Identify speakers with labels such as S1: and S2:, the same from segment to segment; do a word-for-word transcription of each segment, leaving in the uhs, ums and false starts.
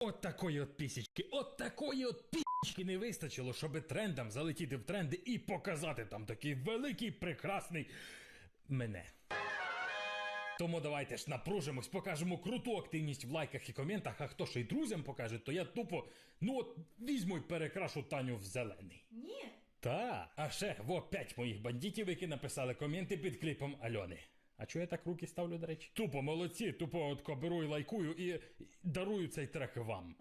S1: От такої от пісічки, от такої от пісічки не вистачило, щоби трендам залетіти в тренди і показати там такий великий, прекрасний мене. Тому давайте ж напружимось, покажемо круту активність в лайках і коментах, а хто ще й друзям покаже, то я тупо, ну от, візьму й перекрашу Таню в зелений.
S2: Ні.
S1: Та, а ще, во, п'ять моїх бандитів, які написали коменти під кліпом Альони. А чого я так руки ставлю, до речі? Тупо молодці, тупо отко беру і лайкую і, і дарую цей трек вам.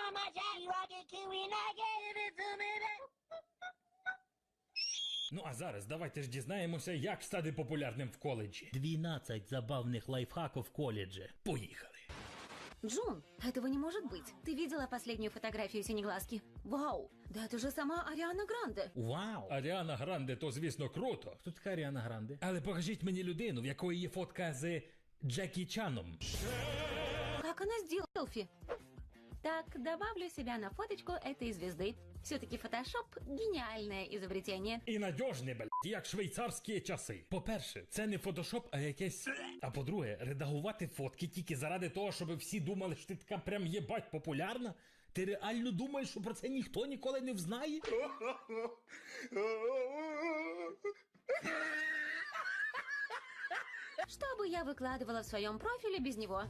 S1: Ну а зараз давайте ж дізнаємося, як стати популярним в коледжі. дванадцять забавних лайфхаків в коледжі. Поїхали.
S2: Джун, этого не может быть. Ты видела последнюю фотографию Синеглазки? Вау, да это же сама Ариана Гранде.
S1: Вау! Аріана Гранде, то звісно круто. Хто така Аріана Гранде? Але покажіть мені людину, в якої є фотка з Джекі Чаном.
S2: Как она сделала селфи? Так, добавлю себя на фоточку этой звезды. Все-таки фотошоп – гениальное изобретение.
S1: І надіжне, блядь, як швейцарські часи. По-перше, це не фотошоп, а якесь... А по-друге, редагувати фотки тільки заради того, щоб всі думали, що ти така прям єбать популярна? Ти реально думаєш, що про це ніхто ніколи не взнає?
S2: Что бы я выкладывала в своем профиле без него?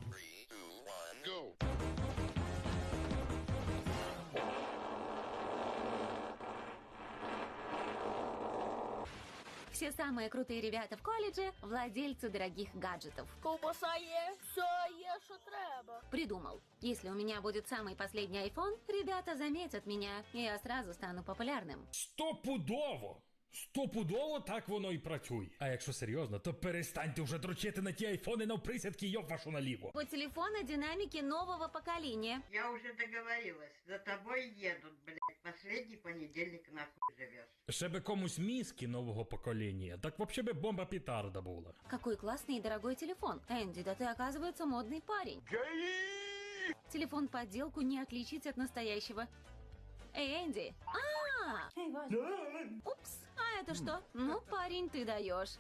S2: Все самые крутые ребята в колледже – владельцы дорогих гаджетов.
S3: Ковбаса є, все є, що треба.
S2: Придумал. Если у меня будет самый последний iPhone, ребята заметят меня, и я сразу стану популярным.
S1: Стопудово! Стопудово так воно і працює. А якщо серйозно, то перестаньте вже дрочити на ті айфони навприсядки, йоб вашу наліво.
S2: Вот телефоны динамики нового поколения.
S4: Я уже договорилась, за тобой едут, блядь, последний понедельник нахуй живешь.
S1: Ще би комусь мізки нового покоління, так вообще би бомба петарда була.
S2: Какой классный и дорогой телефон. Энди, да ты, оказывается, модный парень. Телефон подделку не отличить от настоящего. Эй, Энди! А! Упс! А это что? Ну, парень, ты даешь.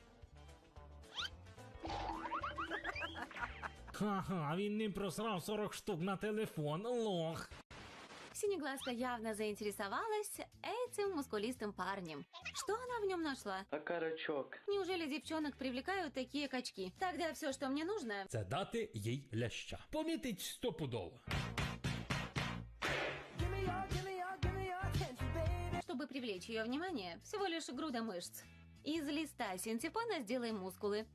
S1: Ха-ха, він не просрав сорок штук на телефон, лох.
S2: Синеглазка явно заинтересовалась этим мускулистым парнем. Что она в нем нашла?
S5: Окорочок.
S2: Неужели девчонок привлекают такие качки? Тогда все, что мне нужно...
S1: Це дати їй ляща. Помітить стопудово.
S2: Чтобы привлечь ее внимание, всего лишь груда мышц. Из листа синтепона сделаем мускулы.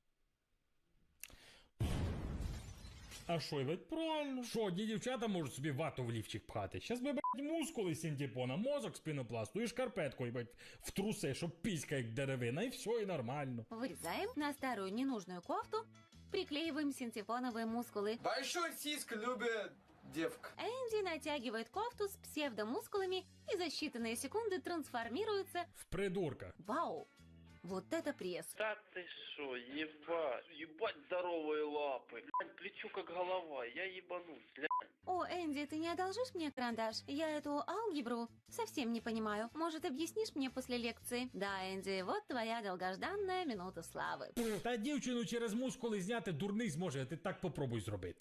S1: А що, ведь правильно? Що, одні дівчата можуть собі вату в лівчик пхати? Щас би, блядь, мускули з синтепона, мозок з пінопласту і шкарпетку, блядь, в труси, щоб піська як деревина, і все, і нормально.
S2: Вырезаем на старую ненужную кофту, приклеиваем синтепоновые мускулы.
S6: Большой сиск любит девка.
S2: Энди натягивает кофту с псевдомускулами и за считанные секунды трансформируется...
S1: В придурка.
S2: Вау! Вот это пресс.
S5: Да ты шо, ебать, ебать здоровые лапы. Блядь, плечу как голова, я ебанусь, блядь.
S2: О, Энди, ты не одолжишь мне карандаш? Я эту алгебру совсем не понимаю. Может, объяснишь мне после лекции? Да, Энди, вот твоя долгожданная минута славы.
S1: Та дівчину через мускули зняти дурний зможе, а ти так попробуй зробити.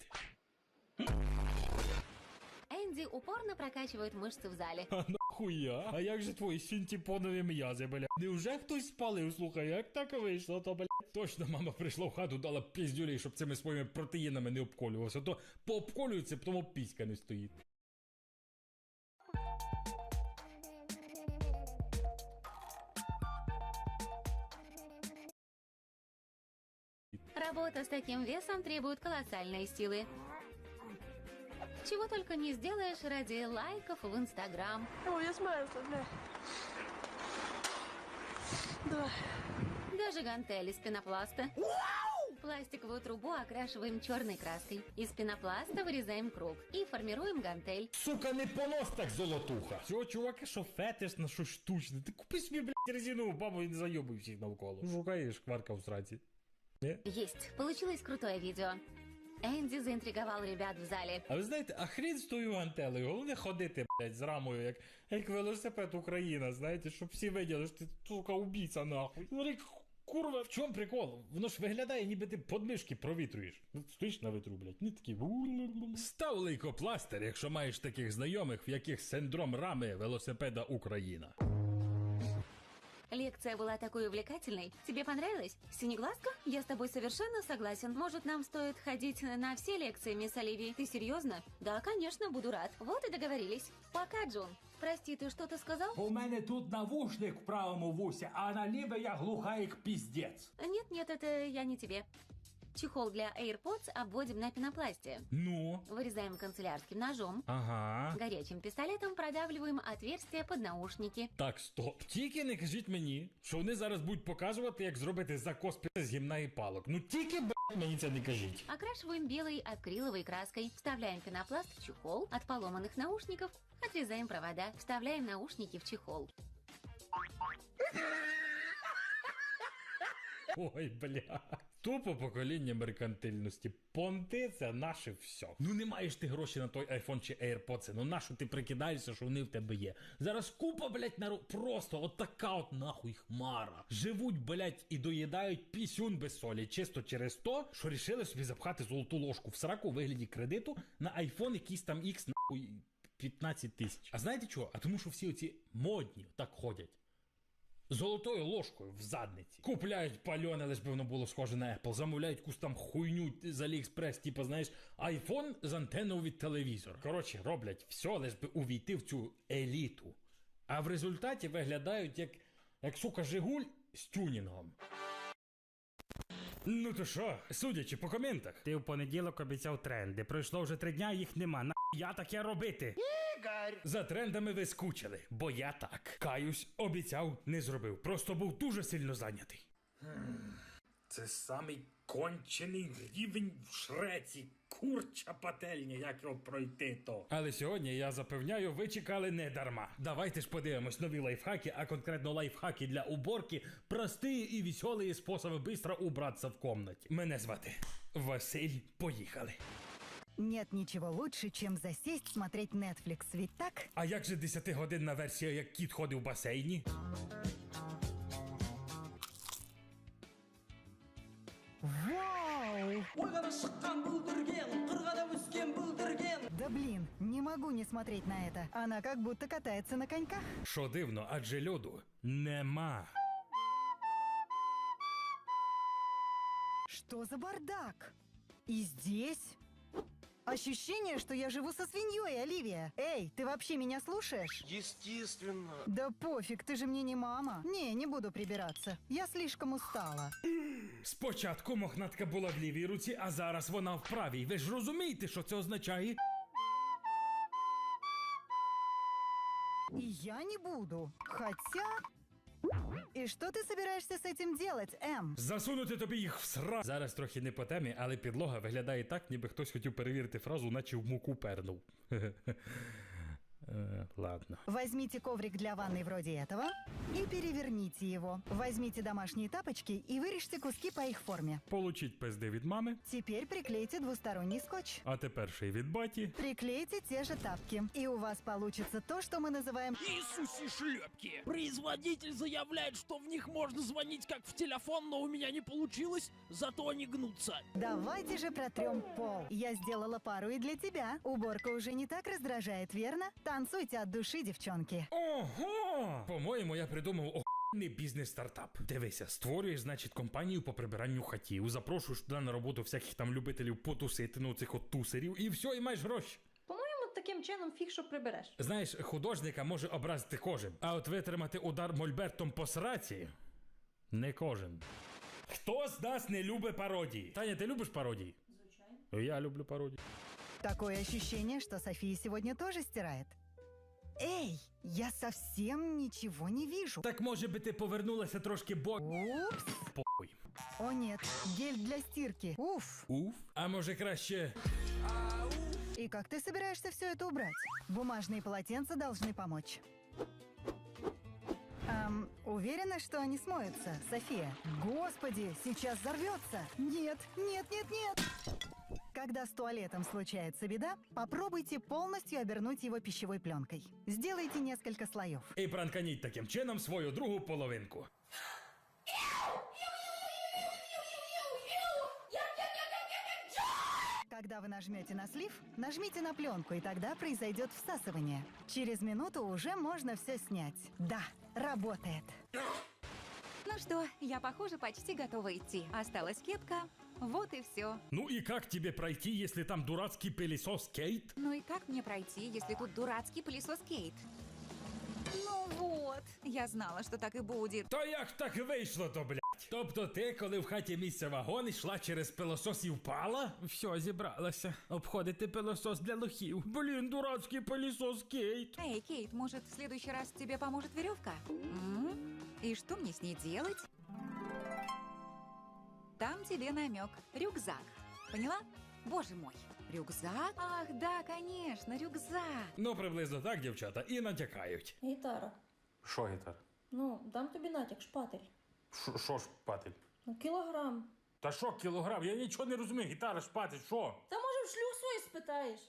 S2: Энди упорно прокачивает мышцы в зале.
S1: А нахуя? А як же твої синтепонові м'язи, бля? Невже хтось спалив? Слухай, як так вийшло, то, бля? Точно мама прийшла в хату, дала піздюлей, щоб цими своїми протеїнами не обколювався. То пообколюється, тому піська не стоїть.
S2: Работа с таким весом требует колоссальной силы. Чего только не сделаешь ради лайков в Инстаграм.
S3: О, я смеюсь, бля. Давай.
S2: Даже гантели из пенопласта. Пластиковую трубу окрашиваем черной краской. Из пенопласта вырезаем круг и формируем гантель.
S1: Сука, не понос так золотуха. Цього чувака, що фетиш на щось штучне. Ти купи собі, блядь, резинову бабу і не зайобуй всіх навколо. Шукаєш кварка в сраці. Не?
S2: Есть. Получилось крутое видео. Энди заинтриговал ребят в зале.
S1: А ви знаєте, а хрін з тою гантелею, головне ходити, блядь, з рамою, як, як велосипед Україна, знаєте, щоб всі виділи, що ти, сука, убійця, нахуй. Смотри, Курва, в чому прикол? Воно ж виглядає, ніби ти подмишки провітрюєш. Ну, стоїш на вітру, блядь, не такі. Став лейкопластир, якщо маєш таких знайомих, в яких синдром рами велосипеда Україна.
S2: Лекция была такой увлекательной. Тебе понравилось? Синеглазка? Я с тобой совершенно согласен. Может, нам стоит ходить на все лекции, мисс Оливии? Ты серьезно? Да, конечно, буду рад. Вот и договорились. Пока, Джун. Прости, ты что-то сказал?
S7: У мене тут навушник в правому вусі, а на ліве я глуха як піздець.
S2: Нет-нет, это я не тебе. Чехол для AirPods обводим на пенопласте.
S1: Ну?
S2: Вырезаем канцелярским ножом.
S1: Ага.
S2: Горячим пистолетом продавливаем отверстие под наушники.
S1: Так, стоп. Тільки не кажіть мені, що вони зараз будуть показувати, як зробити закос пи- з гімна і палок. Ну тільки, блядь, мені це не кажіть.
S2: Окрашиваем белой акриловой краской. Вставляем пенопласт в чехол. От поломанных наушников отрезаем провода. Вставляем наушники в чехол.
S1: Ой, бля. Тупо покоління меркантильності. Понти – це наше все. Ну не маєш ти гроші на той айфон чи AirPods, ну нащо ти прикидаєшся, що вони в тебе є? Зараз купа, блядь, народ, просто от така от нахуй хмара. Живуть, блядь, і доїдають пісюн без солі, чисто через то, що рішили собі запхати золоту ложку в сраку у вигляді кредиту на айфон якийсь там X, нахуй, п'ятнадцять тисяч. А знаєте чого? А тому що всі оці модні так ходять. Золотою ложкою в задниці. Купляють пальоне, лиш би воно було схоже на Apple. Замовляють якусь там хуйню з Aliexpress, типу, знаєш, айфон з антенною від телевізора. Коротше, роблять все, лиш би увійти в цю еліту. А в результаті виглядають як, як сука, Жигуль з тюнінгом. Ну то що, судячи по коментах. Ти в понеділок обіцяв тренди. Пройшло вже три дня, їх нема. На я таке робити? Ігор! За трендами ви скучили, бо я так. Каюсь, обіцяв, не зробив. Просто був дуже сильно зайнятий. Це самий кончений рівень в Шреці. Курча пательня, як його пройти то. Але сьогодні, я запевняю, ви чекали не дарма. Давайте ж подивимось нові лайфхаки, а конкретно лайфхаки для уборки. Прості і веселі способи быстро убраться в комнаті. Мене звати Василь. Поїхали.
S8: Нет ничего лучше, чем засесть смотреть Netflix, ведь так?
S1: А як же десятигодинна версія, як кіт ходив в басейні?
S8: Вау! Да блин, не могу не смотреть на это. Она как будто катается на коньках.
S1: Що дивно, адже льоду нема.
S8: Что за бардак? И здесь? Ощущение, что я живу со свиньей, Оливия. Эй, ты вообще меня слушаешь?
S6: Естественно.
S8: Да пофиг, ты же мне не мама. Не, не буду прибираться. Я слишком устала.
S1: Спочатку мохнатка була в лівій руці, а зараз вона в правій. Ви ж розумієте, що це означає?
S8: И я не буду. Хотя... И что ты собираешься с этим делать, Эм?
S1: Засунути тобі їх в сра... Зараз трохи не по темі, але підлога виглядає так, ніби хтось хотів перевірити фразу, наче в муку пернув. Э, ладно.
S8: Возьмите коврик для ванной вроде этого и переверните его. Возьмите домашние тапочки и вырежьте куски по их форме.
S1: Получіть пизди від мами,
S8: Теперь приклейте двусторонний скотч.
S1: а тепер ще й від баті.
S8: Приклейте те же тапки. И у вас получится то, что мы называем...
S9: Иисусе шлепки! Производитель заявляет, что в них можно звонить как в телефон, но у меня не получилось, зато они гнутся.
S8: Давайте же протрем пол. Я сделала пару и для тебя. Уборка уже не так раздражает, верно? Танцуйте от души, девчонки.
S1: Ого! По-моєму, я придумав охуєнний бізнес-стартап. Дивися, створюєш, значить, компанію по прибиранню хатів, запрошуєш туди на роботу всяких там любителів потусити, ну цих от тусерів, і все, і маєш гроші.
S10: По-моєму, таким чином фіг, що прибереш.
S1: Знаєш, художника може образити кожен, а от витримати удар мольбертом по сраці не кожен. Хто з нас не любить пародії? Таня, ти любиш пародії? Звичайно. Я люблю пародії.
S8: Такое ощущение, что София сегодня тоже стирает. Эй, я совсем ничего не вижу.
S1: Так може би ти повернулася трошки бо...
S8: Упс.
S1: Похуй.
S8: О нет, гель для стирки. Уф.
S1: Уф. А може краще...
S8: И как ты собираешься все это убрать? Бумажные полотенца должны помочь. Эм, уверена, что они смоются, София? Господи, сейчас взорвется. Нет, нет, нет, нет. Когда с туалетом случается беда, попробуйте полностью обернуть его пищевой пленкой. Сделайте несколько слоев.
S1: І пранканіть таким чином свою другу половинку.
S8: Когда вы нажмете на слив, нажмите на пленку, и тогда произойдет всасывание. Через минуту уже можно все снять. Да, работает.
S2: Ну что, я, похоже, почти готова идти. Осталась кепка. Вот и все.
S1: Ну и как тебе пройти, если там дурацкий пылесос Кейт?
S2: Ну и как мне пройти, если тут дурацкий пылесос Кейт? Ну вот, я знала, що так і буде.
S1: Та як так вийшло то, блядь? Тобто ти, коли в хаті місце вагон, йшла через пилосос і впала? Все, зібралася. Обходити пилосос для лохів. Блін, дурацький пилосос Кейт.
S2: Эй, Кейт, может, в следующий раз тебе поможет веревка? М? И что мне с ней делать? Там тебе намек. Рюкзак. Поняла? Боже мой. Рюкзак? Ах, да, конечно, рюкзак.
S1: Ну, приблизно так, дівчата, і натякають.
S10: Гітара.
S7: Що гітар?
S10: Ну, дам тобі натяк, шпатель.
S7: Що шпатель?
S10: Ну, кілограм.
S7: Та що кілограм? Я нічого не розумію. Гітара, шпатель, що?
S10: Та може в шлюх свої спитаєш?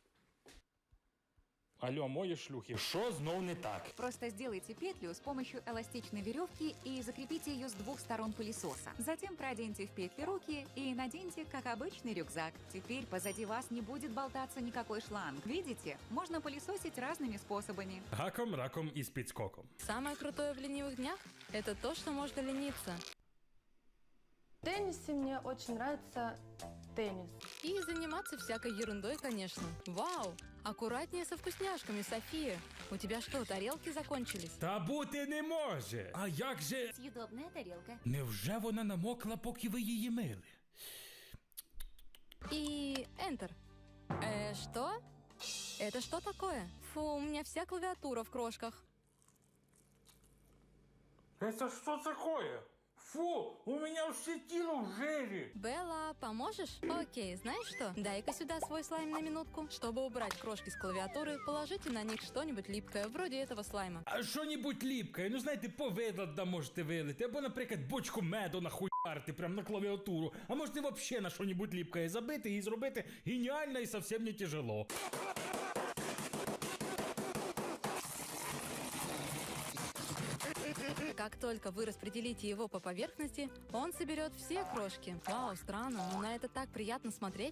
S7: Алло, мої шлюхи, що знов не так?
S2: Просто сделайте петлю с помощью эластичной веревки и закрепите ее с двух сторон пылесоса. Затем проденьте в петли руки и наденьте, как обычный рюкзак. Теперь позади вас не будет болтаться никакой шланг. Видите? Можно пылесосить разными способами.
S1: Гаком, раком і спідскоком.
S11: Самое крутое в ленивых днях – это то, что можно лениться.
S3: В теннисе мне очень нравится теннис.
S11: И заниматься всякой ерундой, конечно. Вау! Аккуратнее со вкусняшками, София. У тебя что, тарелки закончились?
S1: Та бути не може. А як же...
S2: Съедобная тарелка.
S1: Невже вона намокла, поки ви її мили?
S11: И Enter. Э, что? Это что такое? Фу, у меня вся клавиатура в крошках.
S7: Это что такое? Фу, у меня все тело в жире.
S11: Белла, поможешь? Окей, знаешь что? Дай-ка сюда свой слайм на минутку. Чтобы убрать крошки с клавиатуры, положите на них что-нибудь липкое, вроде этого слайма.
S1: А що-нибудь ліпке, ну знаєте, повидла да можете вилити, або, наприклад, бочку меду нахуярити прямо на клавіатуру, а можете вообще на що-нибудь ліпке забити і зробити геніально і совсем не тяжело.
S11: Как только вы распределите его по поверхности, он соберет все крошки. Вау, странно, но на это так приятно смотреть.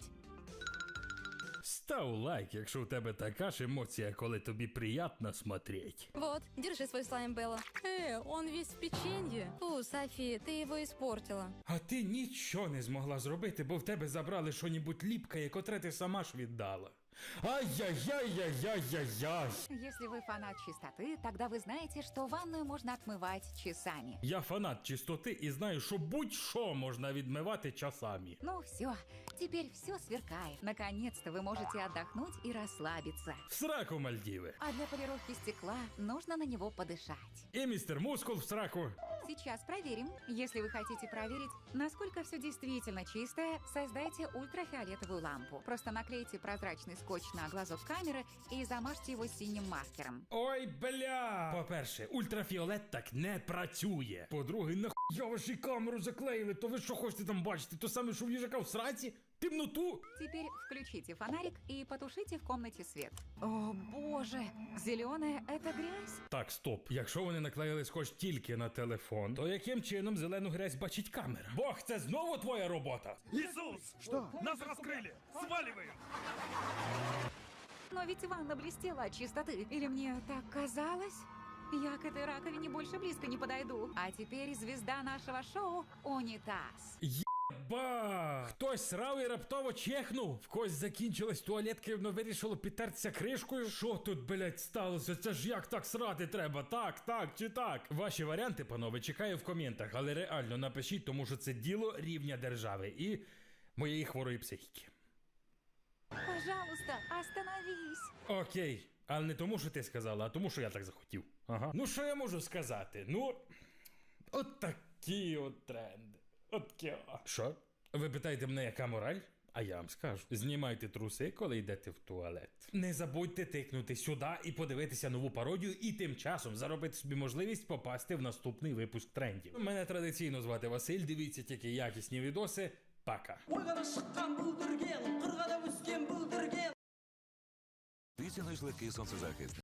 S1: Став лайк, якщо у тебе така ж емоція, коли тобі приємно смотреть.
S11: Вот, держи свой слайм, Белла. Э, он весь в печенье. Фу, Софи, ты его испортила.
S1: А ти нічого не змогла зробити, бо в тебе забрали що-нибудь ліпке, котре ти сама ж віддала. Ай-яй-яй-яй-яй-яй-яй.
S2: Если вы фанат чистоты, тогда вы знаете, что ванную можно отмывать часами.
S1: Я фанат чистоти і знаю, що будь-що можна відмивати часами.
S2: Ну все, теперь все сверкает. Наконец-то вы можете отдохнуть и расслабиться.
S1: В сраку, Мальдіви.
S2: А для полировки стекла нужно на него подышать.
S1: І містер Мускул в сраку.
S2: Сейчас проверим. Если вы хотите проверить, насколько все действительно чистое, создайте ультрафиолетовую лампу. Просто наклейте прозрачный скотч на глазок камеры и замажьте его синим маркером.
S1: Ой, бля! По-перше, ультрафіолет так не працює. По-друге, нахуя ваші камеру заклеїли? То ви що хочете там бачити? То саме, що в їжака в сраці? Темноту?
S2: Теперь включите фонарик и потушите в комнате свет. О, боже! Зеленая — это грязь?
S1: Так, стоп. Якщо вони наклеїли скотч тільки на телефон, то яким чином зелену грязь бачить камера? Бог, це знову твоя робота?
S9: Иисус! Что? Нас раскрыли! Сваливаем!
S2: Но ведь ванна блестела от чистоты. Или мне так казалось? Я к этой раковине больше близко не подойду. А теперь звезда нашего шоу — унитаз.
S1: Ба! Хтось срав і раптово чехнув. В когось закінчилась туалетка і воно вирішило підтертися кришкою. Що тут, блять, сталося? Це ж як так срати треба? Так, так чи так? Ваші варіанти, панове, чекаю в коментах, але реально напишіть, тому що це діло рівня держави і моєї хворої психіки.
S2: Пожалуйста, остановись.
S1: Окей. Але не тому, що ти сказала, а тому, що я так захотів. Ага. Ну, що я можу сказати? Ну, от такі от тренди. От такі. Що? Ви питаєте мене, яка мораль? А я вам скажу. Знімайте труси, коли йдете в туалет. Не забудьте тикнути сюди і подивитися нову пародію, і тим часом заробити собі можливість попасти в наступний випуск трендів. Мене традиційно звати Василь, дивіться тільки якісні відоси. Пока.
S12: Тисяни легкий сонцезахист.